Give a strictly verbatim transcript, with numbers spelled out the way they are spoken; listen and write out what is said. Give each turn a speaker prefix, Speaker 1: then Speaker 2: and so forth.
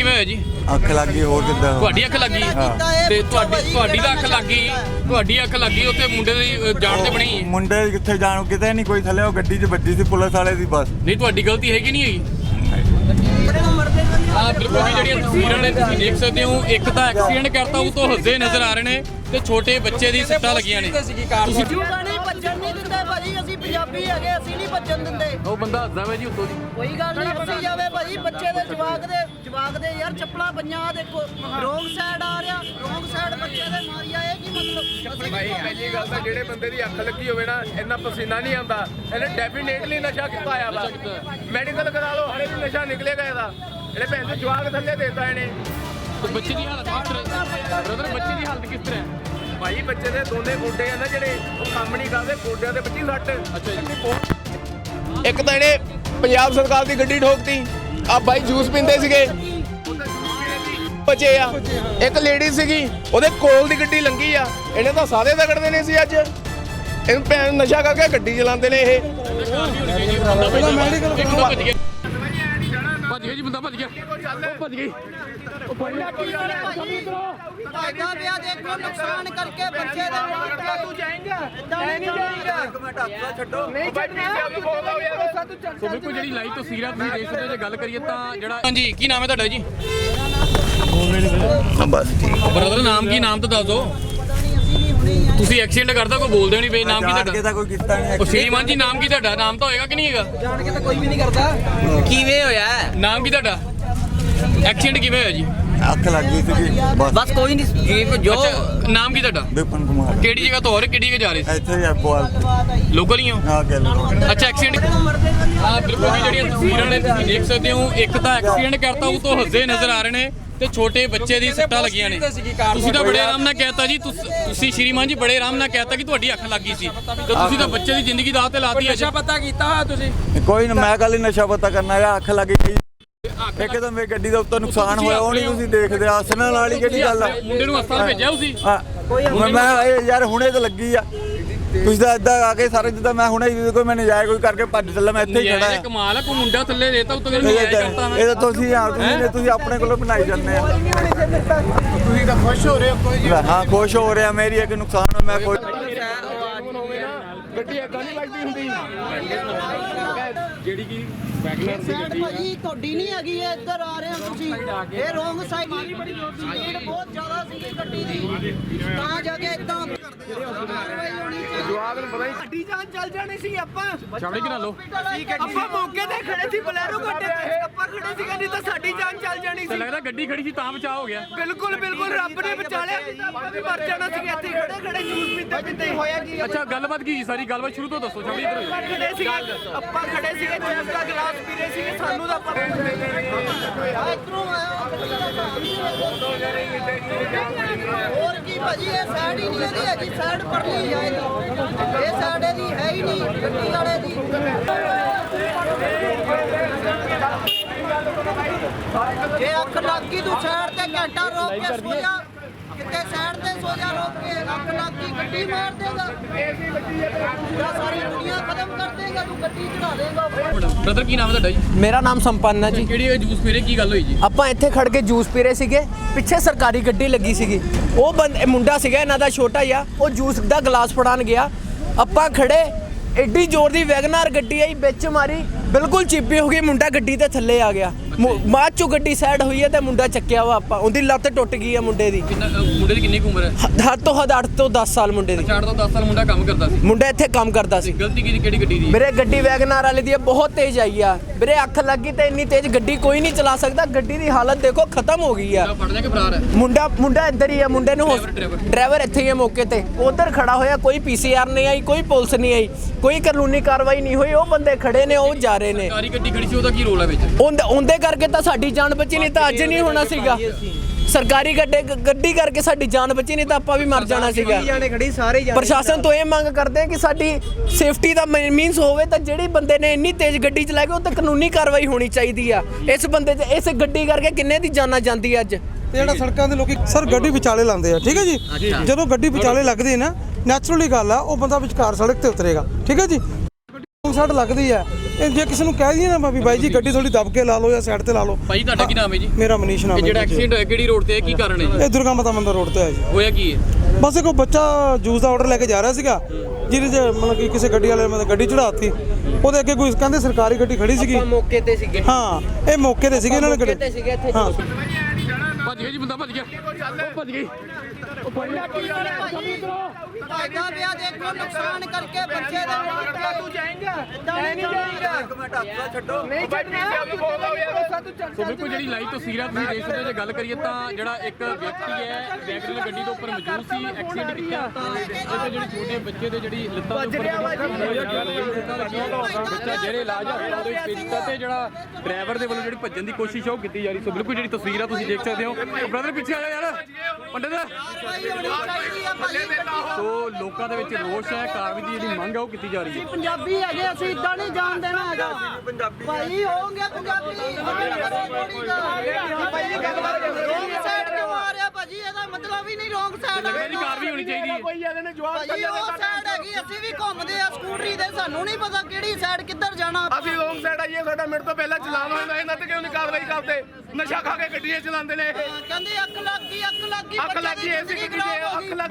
Speaker 1: ਕਿਵੇਂ ਹੋਇਆ ਜੀ?
Speaker 2: ਅੱਖ ਲੱਗ ਗਈ ਹੋਰ ਕਿੱਦਾਂ?
Speaker 1: ਤੁਹਾਡੀ ਅੱਖ ਲੱਗੀ ਤੇ ਤੁਹਾਡੀ ਤੁਹਾਡੀ ਦਾ ਅੱਖ ਲੱਗੀ ਤੁਹਾਡੀ ਅੱਖ ਲੱਗੀ ਉੱਥੇ ਮੁੰਡੇ ਦੀ ਜਾਨ ਤੇ ਬਣੀ।
Speaker 2: ਮੁੰਡੇ ਕਿੱਥੇ ਜਾਣ ਕਿਤੇ ਨਹੀਂ ਕੋਈ ਥੱਲੇ ਉਹ ਗੱਡੀ 'ਚ ਵੱਜੀ ਸੀ ਪੁਲਿਸ ਵਾਲੇ ਦੀ ਬਸ।
Speaker 1: ਨਹੀਂ ਤੁਹਾਡੀ ਗਲਤੀ ਹੈਗੀ ਨਹੀਂ ਹੈਗੀ। ਆ ਬਿਲਕੁਲ ਵੀ ਜਿਹੜੀਆਂ ਤਸਵੀਰਾਂ ਨੇ ਤੁਸੀਂ ਦੇਖ ਸਕਦੇ ਹੋ, ਇੱਕ ਤਾਂ ਐਕਸੀਡੈਂਟ ਕਰਤਾ ਉਹ ਤੋਂ ਹੱਸਦੇ ਨਜ਼ਰ ਆ ਰਹੇ ਨੇ ਤੇ ਛੋਟੇ ਬੱਚੇ ਦੀ ਸੱਟਾਂ ਲੱਗੀਆਂ ਨੇ। ਤੁਸੀਂ
Speaker 3: ਨਹੀਂ ਭੱਜਣ ਨਹੀਂ ਦਿੰਦੇ ਭਾਜੀ, ਅਸੀਂ ਪੰਜਾਬੀ ਹੈਗੇ, ਅਸੀਂ ਨਹੀਂ ਭੱਜਣ ਦਿੰਦੇ।
Speaker 1: ਉਹ ਬੰਦਾ ਹੱਸਦਾ ਵਾ ਜੀ ਉੱਤੋਂ ਦੀ।
Speaker 3: ਕੋਈ ਗੱਲ ਨਹੀਂ ਅਸੀਂ ਜਾਵੇ ਭਾਜੀ, ਬੱਚੇ ਦੇ ਜਵਾਕ ਦੇ ਜਵਾਕ ਦੇ ਯਾਰ ਚੱਪਲਾਂ ਪੰਜਾਂ ਦੇਖੋ, ਰੋਂਗ ਸਾਈਡ ਆ ਰਿਹਾ, ਰੋਂਗ ਸਾਈਡ ਬੱਚੇ ਦੇ ਮਾਰੀ ਆਏ ਕੀ ਮਤਲਬ?
Speaker 4: ਭਾਈ ਪਹਿਲੀ ਗੱਲ ਤਾਂ ਜਿਹੜੇ ਬੰਦੇ ਦੀ ਅੱਖ ਲੱਗੀ ਹੋਵੇ ਨਾ, ਇੰਨਾ ਪਸੀਨਾ ਨਹੀਂ ਆਉਂਦਾ, ਇਹਨੇ ਡੈਫੀਨੇਟਲੀ ਨਸ਼ਾ ਕੀਤਾ ਆ ਵਾ। ਮੈਡੀਕਲ ਕਰਾ ਲਓ, ਹਲੇ ਵੀ ਨਸ਼ਾ ਨਿਕਲੇਗਾ ਇਹਦਾ। ਇਹਨੇ ਭੈਣ ਦੇ ਜਵਾਕ ਥੱਲੇ ਦੇਤਾ ਇਹਨੇ।
Speaker 1: ਬੱਚੇ ਦੀ ਹਾਲਤ ਕਿਸ ਤਰ੍ਹਾਂ ਬ੍ਰਦਰ? ਬੱਚੇ ਦੀ ਹਾਲਤ ਕਿਸ ਤਰ੍ਹਾਂ ਹੈ
Speaker 4: ਭਾਈ? ਬੱਚੇ ਦੇ ਦੋਨੇ ਗੋਡੇ ਆ ਨਾ ਜਿਹੜੇ ਉਹ ਕੰਮ ਨਹੀਂ ਕਰਦੇ, ਗੋਡਿਆਂ ਦੇ ਬੱਚੀ ਸੱਟ।
Speaker 1: ਅੱਛਾ ਜੀ।
Speaker 4: ਇੱਕ ਤਾਂ ਇਹਨੇ ਪੰਜਾਬ ਸਰਕਾਰ ਦੀ ਗੱਡੀ ਠੋਕਤੀ। ਆ ਭਾਈ ਜੂਸ ਪੀਂਦੇ ਸੀਗੇ ਬਚੇ ਆ। ਇੱਕ ਲੇਡੀ ਸੀਗੀ ਉਹਦੇ ਕੋਲ ਦੀ ਗੱਡੀ ਲੰਗੀ ਆ, ਇਹਨੇ ਤਾਂ ਸਾਰੇ ਤਗੜਦੇ ਨੇ ਸੀ ਅੱਜ। ਇਹਨੂੰ ਭੈਣ ਨਸ਼ਾ ਕਰਕੇ ਗੱਡੀ ਚਲਾਉਂਦੇ ਨੇ ਇਹ।
Speaker 1: ਭੱਜ ਗਿਆ ਜੀ ਬੰਦਾ, ਭੱਜ ਗਿਆ, ਭੱਜ ਗਈ।
Speaker 3: ਫਾਇਦਾ ਪਿਆ ਦੇਖੋ, ਨੁਕਸਾਨ ਕਰਕੇ ਬੱਚੇ ਦੇ ਮਾਰ ਤੂੰ ਜਾਏਂਗਾ ਨਹੀਂ ਜਾਏਂਗਾ।
Speaker 2: ਇੱਕ ਮਿੰਟ ਹੱਥ ਛੱਡੋ।
Speaker 4: ਨਹੀਂ
Speaker 1: ਸੋ ਬਿਲਕੁਲ ਜਿਹੜੀ ਲਾਈਵ ਤਸਵੀਰਾਂ ਤੁਸੀਂ ਦੇਖ ਸਕਦੇ ਹੋ, ਜੇ ਗੱਲ ਕਰੀਏ ਤਾਂ ਜਿਹੜਾ ਹਾਂਜੀ ਕੀ ਨਾਮ ਹੈ ਤੁਹਾਡਾ ਜੀ?
Speaker 2: ਬਸ ਠੀਕ।
Speaker 1: ਬ੍ਰਦਰ ਨਾਮ ਕੀ? ਨਾਮ ਤਾਂ ਦੱਸ ਦਿਓ। ਤੁਸੀਂ ਐਕਸੀਡੈਂਟ ਕਰਦਾ ਕੋਈ ਬੋਲਦੇ ਨਹੀਂ ਪਏ, ਨਾਮ ਕੀ
Speaker 2: ਜਾਣ ਕੇ
Speaker 1: ਤੁਹਾਡਾ?
Speaker 2: ਤਾਂ ਕੋਈ ਕੀਤਾ ਨਹੀਂ।
Speaker 1: ਉਹ ਸ਼੍ਰੀਮਾਨ ਜੀ ਨਾਮ ਕੀ ਤੁਹਾਡਾ? ਨਾਮ ਤਾਂ ਹੋਏਗਾ ਕਿ ਨਹੀਂ ਹੈਗਾ?
Speaker 3: ਜਾਣ ਕੇ ਤਾਂ ਕੋਈ ਵੀ ਨਹੀਂ ਕਰਦਾ। ਕਿਵੇਂ ਹੋਇਆ?
Speaker 1: ਨਾਮ ਕੀ ਤੁਹਾਡਾ? ਐਕਸੀਡੈਂਟ ਕਿਵੇਂ ਹੋਇਆ ਜੀ?
Speaker 2: ਅੱਖ ਲੱਗ ਗਈ ਸੀ ਬਸ।
Speaker 3: ਬਸ ਕੋਈ ਨਹੀਂ ਜੋ
Speaker 1: ਅੱਛਾ ਨਾਮ ਕੀ ਤੁਹਾਡਾ?
Speaker 2: ਵਿਪਨ ਕੁਮਾਰ।
Speaker 1: ਕਿਹੜੀ ਜਗ੍ਹਾ ਤੋਂ ਹੋ ਰਹੇ, ਕਿਹੜੀ ਜਗ੍ਹਾ ਜਾ ਰਹੇ ਸੀ?
Speaker 2: ਇੱਥੇ ਹੀ ਆ ਬੋਲ।
Speaker 1: ਲੋਕਲ ਹੀ ਹੋ?
Speaker 2: ਹਾਂ ਗੱਲ।
Speaker 1: ਅੱਛਾ ਐਕਸੀਡੈਂਟ ਆ ਬਿਲਕੁਲ ਵੀ ਜਿਹੜੀਆਂ ਤਸਵੀਰਾਂ ਨੇ ਤੁਸੀਂ ਦੇਖ ਸਕਦੇ ਹੋ, ਇੱਕ ਤਾਂ ਐਕਸੀਡੈਂਟ ਕਰਤਾ ਉਹ ਤੋਂ ਹੱਸਦੇ ਨਜ਼ਰ ਆ ਰਹੇ ਨੇ ਤੇ ਛੋਟੇ ਬੱਚੇ ਦੀ ਸੱਟਾਂ ਲੱਗੀਆਂ ਨੇ। ਤੁਸੀਂ ਤਾਂ ਬੜੇ ਆਰਾਮ ਨਾਲ ਕਹਿਤਾ ਜੀ, ਤੁਸੀਂ ਸ਼੍ਰੀਮਾਨ ਜੀ ਬੜੇ ਆਰਾਮ ਨਾਲ ਕਹਿਤਾ ਕਿ ਤੁਹਾਡੀ ਅੱਖ ਲੱਗੀ ਸੀ ਤੇ ਤੁਸੀਂ ਤਾਂ ਬੱਚੇ ਦੀ ਜ਼ਿੰਦਗੀ ਦਾਅ ਤੇ ਲਾਤੀ ਹੈ।
Speaker 5: ਨਸ਼ਾ ਪਤਾ ਕੀਤਾ ਹੋਇਆ ਤੁਸੀਂ?
Speaker 2: ਕੋਈ ਨਾ, ਮੈਂ ਕੱਲ ਹੀ ਨਸ਼ਾ ਪਤਾ ਕਰਨਾ ਹੈ। ਅੱਖ ਲੱਗ ਗਈ ਇੱਕ ਤਾਂ ਮੇਰੀ ਗੱਡੀ ਦਾ ਉੱਤੋਂ ਨੁਕਸਾਨ ਹੋਇਆ, ਉਹ ਨਹੀਂ ਤੁਸੀਂ ਦੇਖਦੇ। ਹੱਸਣ ਵਾਲੀ ਕਿਹੜੀ ਗੱਲ ਆ?
Speaker 1: ਮੁੰਡੇ ਨੂੰ ਹਸਪਤਾਲ ਭੇਜਿਆ ਤੁਸੀਂ?
Speaker 2: ਮੈਂ ਇਹ ਯਾਰ ਹੁਣੇ ਤਾਂ ਲੱਗੀ ਆ। ਤੁਸੀਂ ਤਾਂ ਏਦਾਂ ਆ ਕੇ ਸਾਰੇ ਜਿੱਦਾਂ ਮੈਂ ਹੁਣੇ ਕੋਈ ਮੈਂ ਨਜਾਇਜ਼ ਕੋਈ ਕਰਕੇ ਭੱਜ ਚੱਲਾ, ਮੈਂ ਇੱਥੇ ਹੀ ਖੜਾ
Speaker 1: ਇਹ ਕਮਾਲ ਆ, ਕੋਈ ਮੁੰਡਾ ਥੱਲੇ ਦੇਤਾ ਉੱਤੋਂ
Speaker 2: ਇਹ
Speaker 1: ਨਜਾਇਜ਼ ਕਰਤਾ ਮੈਂ।
Speaker 2: ਇਹ ਤਾਂ ਤੁਸੀਂ ਆ ਤੁਸੀਂ ਤੁਸੀਂ ਆਪਣੇ ਕੋਲੋਂ ਬਣਾਈ ਜਾਂਦੇ ਆ।
Speaker 4: ਤੁਸੀਂ ਤਾਂ ਖੁਸ਼ ਹੋ ਰਹੇ ਹੋ? ਕੋਈ
Speaker 2: ਹਾਂ ਖੁਸ਼ ਹੋ ਰਿਹਾ, ਮੇਰੀ ਇੱਕ ਨੁਕਸਾਨ ਹੋ, ਮੈਂ ਕੋਈ
Speaker 4: ਗੱਡੀ ਏਦਾਂ ਨਹੀਂ ਲੱਗਦੀ ਹੁੰਦੀ
Speaker 1: ਜਿਹੜੀ ਕਿ ਵੈਗਨਰ ਦੀ ਗੱਡੀ
Speaker 3: ਭਾਜੀ ਤੁਹਾਡੀ ਨਹੀਂ ਹੈਗੀ, ਇਹ ਇੱਧਰ ਆ ਰਹੇ ਹੋ ਤੁਸੀਂ। ਇਹ ਰੋਂਗ ਸਾਈਡ ਮਾਰੀ ਬੜੀ ਜ਼ੋਰ ਦੀ, ਸਪੀਡ ਬਹੁਤ ਜ਼ਿਆਦਾ ਸੀਗੀ ਗੱਡੀ ਦੀ, ਤਾਂ ਜਾ ਕੇ ਇਦਾਂ ਕਾਰਵਾਈ ਹੋਣੀ ਚਾਹੀਦੀ।
Speaker 4: ਜਵਾਬ ਨੂੰ ਪਤਾ ਹੀ
Speaker 3: ਸਾਡੀ ਜਾਨ ਚੱਲ ਜਾਣੀ ਸੀ। ਆਪਾਂ
Speaker 1: ਛਾਵੜੀ ਕਿਨਾ ਲੋ
Speaker 3: ਆਪਾਂ ਮੌਕੇ ਤੇ ਖੜੇ ਸੀ, ਬਲੈਰੋ ਗੱਡੇ ਤੇ ਆਪਾਂ ਖੜੇ ਸੀ, ਨਹੀਂ ਤਾਂ ਸਾਡੀ ਜਾਨ ਚੱਲ ਜਾਣੀ
Speaker 1: ਤਾਂ
Speaker 3: ਸੀ।
Speaker 1: ਲੱਗਦਾ ਗੱਡੀ ਖੜੀ ਸੀ ਤਾਂ ਬਚਾਅ ਹੋ ਗਿਆ।
Speaker 3: ਬਿਲਕੁਲ ਬਿਲਕੁਲ ਰੱਬ ਨੇ ਬਚਾ ਲਿਆ, ਆਪਾਂ ਵੀ ਮਰ ਜਾਣਾ ਸੀ ਇੱਥੇ ਖੜੇ ਖੜੇ ਜੂਸ ਪੀਂਦੇ ਪੀਂਦੇ। ਹੋਇਆ ਕੀ?
Speaker 1: ਅੱਛਾ ਗੱਲਬਾਤ ਕੀ ਸਾਰੀ ਗੱਲਬਾਤ ਸ਼ੁਰੂ ਤੋਂ ਦੱਸੋ। ਛਾਵੜੀ ਇੱਧਰ
Speaker 3: ਆਪਾਂ ਖੜੇ ਸੀ ਆਪਾਂ ਖੜੇ ਸੀਗੇ, ਜੂਸ ਦਾ ਗਲਾਸ ਪੀ ਰਹੇ ਸੀਗੇ, ਸਾਨੂੰ ਤਾਂ ਪਤਾ ਇਧਰੋਂ ਆਇਆ ਹੋਰ ਕੀ ਭਾਜੀ, ਇਹ ਸਾਈਡ ਹੀ ਨਹੀਂ ਇਹਦੀ ਹੈਗੀ, ਸਾਈਡ ਪਰਲੀ ਆ ਇਹਦੀ, ਇਹ ਸਾਈਡ ਇਹਦੀ ਹੈ ਹੀ ਨਹੀਂ ਗੱਡੀ ਵਾਲੇ ਦੀ। ਜੇ ਅੱਖ ਲੱਗ ਗਈ ਤੂੰ ਸਾਈਡ ਤੇ ਘੰਟਾ ਰੋਕ ਕੇ ਸੋ ਜਾ, ਕਿਤੇ ਸਾਈਡ ਤੇ ਸੋ ਜਾ, ਰੋਕ ਕੇ ਅੱਖ ਲੱਗ ਗਈ ਗੱਡੀ ਮਾਰ ਦੇਗਾ, ਪੂਰਾ ਸਾਰੀ ਦੁਨੀਆ ਖਤਮ ਕਰ ਦੇਗਾ, ਤੂੰ ਗੱਡੀ ਚੜਾ ਦੇਗਾ।
Speaker 1: ਬ੍ਰਦਰ ਕੀ ਨਾਮ ਹੈ ਤੁਹਾਡਾ ਜੀ?
Speaker 5: ਮੇਰਾ ਨਾਮ ਸੰਪੰਨ ਹੈ ਜੀ।
Speaker 1: ਕਿਹੜੀ ਜੂਸ ਪੀਰੇ ਕੀ ਗੱਲ ਹੋਈ ਜੀ?
Speaker 5: ਆਪਾਂ ਇੱਥੇ ਖੜ ਕੇ ਜੂਸ ਪੀ ਰਹੇ ਸੀਗੇ, ਪਿੱਛੇ ਸਰਕਾਰੀ ਗੱਡੀ ਲੱਗੀ ਸੀਗੀ। ਉਹ ਬੰਦ ਮੁੰਡਾ ਸੀਗਾ ਇਹਨਾਂ ਦਾ ਛੋਟਾ ਜਿਹਾ, ਉਹ ਜੂਸ ਦਾ ਗਲਾਸ ਫੜਾਉਣ ਗਿਆ। ਆਪਾਂ ਖੜੇ, ਐਡੀ ਜ਼ੋਰ ਦੀ ਵੈਗਨਾਰ ਗੱਡੀ ਆਈ, ਵਿੱਚ ਮਾਰੀ, ਬਿਲਕੁਲ ਚੀਪੀ ਹੋ ਗਈ। ਮੁੰਡਾ ਗੱਡੀ ਦੇ ਥੱਲੇ ਆ ਗਿਆ, ਬਾਅਦ ਚੋਂ ਗੱਡੀ ਸਾਈਡ ਹੋਈ ਹੈ ਤੇ ਮੁੰਡਾ ਚੱਕਿਆ ਵਾ। ਆਪਾਂ ਉਹਦੀ ਲੱਤ ਟੁੱਟ ਗਈ ਹੈ ਮੁੰਡੇ ਦੀ।
Speaker 1: ਕਿੰਨਾ ਮੁੰਡੇ ਦੀ ਕਿੰਨੀ ਕੁ ਉਮਰ ਹੈ?
Speaker 5: ਹੱਦ ਤੋਂ ਹੱਦ ਅੱਠ ਤੋਂ ਦਸ ਸਾਲ ਮੁੰਡੇ ਦੀ।
Speaker 1: ਚਾਰ ਤੋਂ ਦਸ ਸਾਲ ਮੁੰਡਾ ਕੰਮ ਕਰਦਾ ਸੀ।
Speaker 5: ਮੁੰਡਾ ਇੱਥੇ ਕੰਮ ਕਰਦਾ ਸੀ।
Speaker 1: ਗਲਤੀ ਕੀ ਕਿਹੜੀ ਗੱਡੀ ਦੀ?
Speaker 5: ਵੀਰੇ ਗੱਡੀ ਵੈਗਨਾਰ ਵਾਲੇ ਦੀ ਬਹੁਤ ਤੇਜ਼ ਆਈ ਆ ਵੀਰੇ, ਅੱਖ ਲੱਗੀ ਤੇ ਇੰਨੀ ਤੇਜ਼ ਗੱਡੀ ਕੋਈ ਨਹੀਂ ਚਲਾ ਸਕਦਾ। ਗੱਡੀ ਦੀ ਹਾਲਤ ਦੇਖੋ ਖਤਮ ਹੋ ਗਈ ਆ।
Speaker 1: ਫੜ ਲਿਆ ਕਿ ਫਰਾਰ ਹੈ?
Speaker 5: ਮੁੰਡਾ ਮੁੰਡਾ ਇੱਧਰ ਹੀ ਆ, ਮੁੰਡੇ ਨੂੰ ਡਰਾਈਵਰ ਇੱਥੇ ਹੀ ਆ ਮੌਕੇ ਤੇ, ਉਧਰ ਖੜਾ ਹੋਇਆ। ਕੋਈ ਪੀਸੀਆਰ ਨਹੀਂ ਆਈ, ਕੋਈ ਪੁਲਿਸ ਨਹੀਂ ਆਈ, ਕੋਈ ਕਾਨੂੰਨੀ ਕਾਰਵਾਈ ਨਹੀਂ ਹੋਈ। ਉਹ ਬੰਦੇ ਖੜੇ ਨੇ, ਉਹ ਜਾ ਰਹੇ ਨੇ।
Speaker 1: ਸਾਰੀ ਗੱਡੀ ਖੜੀ ਸੀ, ਉਹਦਾ ਕੀ ਰੋਲ ਹੈ ਵਿੱਚ?
Speaker 5: ਉਹਦੇ ਉਹਦੇ ਕਰਕੇ ਤਾਂ ਸਾਡੀ ਜਾਨ ਬਚੀ, ਨਹੀਂ ਤਾਂ ਅੱਜ ਨਹੀਂ ਹੋਣਾ ਸੀਗਾ। ਸਰਕਾਰੀ ਗੱਡੇ ਗੱਡੀ ਕਰਕੇ ਸਾਡੀ ਜਾਨ ਬਚੀ, ਨਹੀਂ ਤਾਂ ਆਪਾਂ ਵੀ ਮਰ ਜਾਣਾ ਸੀਗਾ। ਪ੍ਰਸ਼ਾਸਨ ਤੋਂ ਇਹ ਮੰਗ ਕਰਦੇ ਆ ਕਿ ਸਾਡੀ ਸੇਫਟੀ ਦਾ ਮੀਨਸ ਹੋਵੇ ਤਾਂ ਜਿਹੜੀ ਬੰਦੇ ਨੇ ਇੰਨੀ ਤੇਜ਼ ਗੱਡੀ ਚਲਾਈ ਉਹ ਤੇ ਕਾਨੂੰਨੀ ਕਾਰਵਾਈ ਹੋਣੀ ਚਾਹੀਦੀ ਆ। ਇਸ ਬੰਦੇ ਤੇ ਇਸ ਗੱਡੀ ਕਰਕੇ ਕਿੰਨੇ ਦੀ ਜਾਨਾਂ ਜਾਂਦੀ ਅੱਜ।
Speaker 6: ਤੇ ਜਿਹੜਾ ਸੜਕਾਂ ਦੇ ਲੋਕੀ ਸਰ ਗੱਡੀ ਵਿਚਾਲੇ ਲਾਉਂਦੇ ਆ, ਠੀਕ ਹੈ ਜੀ। ਜਦੋਂ ਗੱਡੀ ਵਿਚਾਲੇ ਲੱਗਦੀ ਹੈ ਨਾ, ਨੈਚੁਰਲੀ ਗੱਲ ਆ, ਉਹ ਬੰਦਾ ਵਿਚਕਾਰ ਸੜਕ ਤੇ ਉਤਰੇਗਾ, ਠੀਕ ਹੈ ਜੀ। ਸੱਟ ਲੱਗਦੀ ਹੈ। ਇਹ ਜੇ ਕਿਸੇ ਨੂੰ ਕਹਿ ਦਈਏ ਨਾ ਵੀ ਬਾਈ ਜੀ ਗੱਡੀ ਥੋੜੀ ਦਬ ਕੇ ਲਾ ਲਓ ਜਾਂ ਸਾਈਡ ਤੇ ਲਾ ਲਓ।
Speaker 1: ਭਾਈ ਤੁਹਾਡਾ ਕੀ ਨਾਮ ਹੈ ਜੀ?
Speaker 6: ਮੇਰਾ ਮਨੀਸ਼ ਨਾਮ
Speaker 1: ਇਹ
Speaker 6: ਹੈ
Speaker 1: ਜਿਹੜਾ
Speaker 6: ਜੀ।
Speaker 1: ਐਕਸੀਡੈਂਟ ਹੋਇਆ ਕਿਹੜੀ ਰੋਡ ਤੇ ਹੈ, ਕੀ ਕਾਰਨ ਹੈ ਜੀ?
Speaker 6: ਇਹ ਦੁਰਗਾ ਮਾਤਾ ਮੰਦਰ ਰੋਡ ਤੇ ਹੈ ਜੀ।
Speaker 1: ਹੋਇਆ ਕੀ ਹੈ?
Speaker 6: ਬਸ ਇੱਕ ਬੱਚਾ ਜੂਸ ਦਾ ਆਰਡਰ ਲੈ ਕੇ ਜਾ ਰਿਹਾ ਸੀਗਾ, ਜਿਹਦੇ 'ਚ ਮਤਲਬ ਕਿ ਕਿਸੇ ਗੱਡੀ ਵਾਲੇ ਨੇ ਗੱਡੀ ਚੜਾਤੀ। ਉਹਦੇ ਅੱਗੇ ਕੋਈ ਕਹਿੰਦੇ ਸਰਕਾਰੀ ਗੱਡੀ ਖੜੀ ਸੀਗੀ।
Speaker 5: ਮੌਕੇ ਤੇ ਸੀਗੇ
Speaker 6: ਹਾਂ ਇਹ ਮੌਕੇ ਤੇ ਸੀਗੇ ਇਹਨਾਂ ਨੇ ਗੱਡੀ।
Speaker 5: ਸੀਗੇ ਇੱਥੇ
Speaker 6: ਹਾਂ
Speaker 1: ਭੱਜ ਗਿਆ ਜੀ ਬੰਦਾ, ਭੱਜ ਗਿਆ, ਉਹ ਭੱਜ ਗਈ।
Speaker 3: ਫਾਇਦਾ ਪਿਆ ਦੇਖੋ ਨੁਕਸਾਨ ਕਰਕੇ ਬੱਚੇ ਦੇ ਨਾਲ ਤੂੰ ਜਾਏਂਗਾ ਨਹੀਂ ਜਾਏਂਗਾ
Speaker 2: ਇੱਕ ਮਿੰਟ ਹੱਥ ਛੱਡੋ।
Speaker 3: ਨਹੀਂ
Speaker 1: ਸੋ ਬਿਲਕੁਲ ਜਿਹੜੀ ਲਾਈਵ ਤਸਵੀਰਾਂ ਤੁਸੀਂ ਦੇਖ ਸਕਦੇ ਹੋ, ਜੇ ਗੱਲ ਕਰੀਏ ਤਾਂ ਜਿਹੜਾ ਇੱਕ ਵਿਅਕਤੀ ਹੈ ਵੈਗਨ ਗੱਡੀ ਦੇ ਉੱਪਰ ਮੌਜੂਦ ਸੀ, ਐਕਸੀਡੈਂਟ ਕੀਤਾ ਤਾਂ ਇਹਦੇ ਜਿਹੜੇ ਛੋਟੇ ਬੱਚੇ ਦੇ ਜਿਹੜੀ ਲੱਤਾਂ ਦੇ ਉੱਪਰ ਬੱਚਾ ਜਿਹੜੇ ਇਲਾਜ ਆ ਉਹਦੇ ਵਿੱਚ ਭੇਜ ਦਿੱਤਾ ਤੇ ਜਿਹੜਾ ਡਰਾਈਵਰ ਦੇ ਵੱਲੋਂ ਜਿਹੜੀ ਭੱਜਣ ਦੀ ਕੋਸ਼ਿਸ਼ ਆ ਉਹ ਕੀਤੀ ਜਾ ਰਹੀ। ਸੋ ਬਿਲਕੁਲ ਜਿਹੜੀ ਤਸਵੀਰਾਂ ਤੁਸੀਂ ਦੇਖ ਸਕਦੇ ਹੋ। ਬ੍ਰਦਰ ਪਿੱਛੇ ਆ ਜਾ ਯਾਰ ਪੰਡਿਤ।
Speaker 3: ਭਾਈ ਹੋਣੀ ਚਾਹੀਦੀ ਆ ਭਾਈ
Speaker 1: ਸੋ ਲੋਕਾਂ ਦੇ ਵਿੱਚ ਰੋਸ਼ ਹੈ, ਕਾਰਵਾਈ ਦੀ ਜਿਹੜੀ ਮੰਗ ਹੈ ਉਹ ਕੀਤੀ ਜਾ ਰਹੀ ਹੈ।
Speaker 3: ਪੰਜਾਬੀ ਹੈਗੇ ਅਸੀਂ ਇਦਾਂ ਨਹੀਂ ਜਾਣ ਦੇਣਾ ਹੈਗਾ ਭਾਈ ਹੋਣਗੇ ਪੰਜਾਬੀ ਰੋਂਗ ਸਾਈਡ ਕਿਉਂ ਆ ਰਿਹਾ ਭਾਜੀ? ਇਹਦਾ ਮਤਲਬ ਹੀ ਨਹੀਂ ਰੋਂਗ ਸਾਈਡ
Speaker 1: ਇਹਦੀ ਕਾਰਵਾਈ ਹੋਣੀ ਚਾਹੀਦੀ ਹੈ।
Speaker 4: ਕੋਈ ਇਹਦੇ ਨੇ ਜਵਾਬ
Speaker 3: ਭਾਜੀ ਉਹ ਸਾਈਡ ਹੈਗੀ, ਅਸੀਂ ਵੀ ਘੁੰਮਦੇ ਆ ਸਕੂਟਰੀ ਦੇ, ਸਾਨੂੰ ਨਹੀਂ ਪਤਾ ਕਿਹੜੀ ਸਾਈਡ ਕਿੱਧਰ ਜਾਣਾ।
Speaker 4: ਅਸੀਂ ਰੋਂਗ ਸਾਈਡ ਆਈਏ, ਸਾਡਾ ਮਿੰਟ ਤੋਂ ਪਹਿਲਾਂ ਚਲਾਨ ਹੋਇਆ, ਇਹਨਾਂ ਤੇ ਕਿਉਂ ਨਹੀਂ ਕਾਰਵਾਈ ਕਰਦੇ? ਨਸ਼ਾ ਖਾ ਕੇ ਗੱਡੀਆਂ ਚਲਾਉਂਦੇ ਨੇ ਇਹ।
Speaker 3: ਕਹਿੰਦੇ ਅੱਖ ਲੱਗ ਗਈ ਅੱਖ ਲੱਗ ਗਈ
Speaker 4: ਅੱਖ ਲੱਗੀ ਐਸੀ ਗੱਡੀ 'ਚ ਅੱਖ ਲੱਗ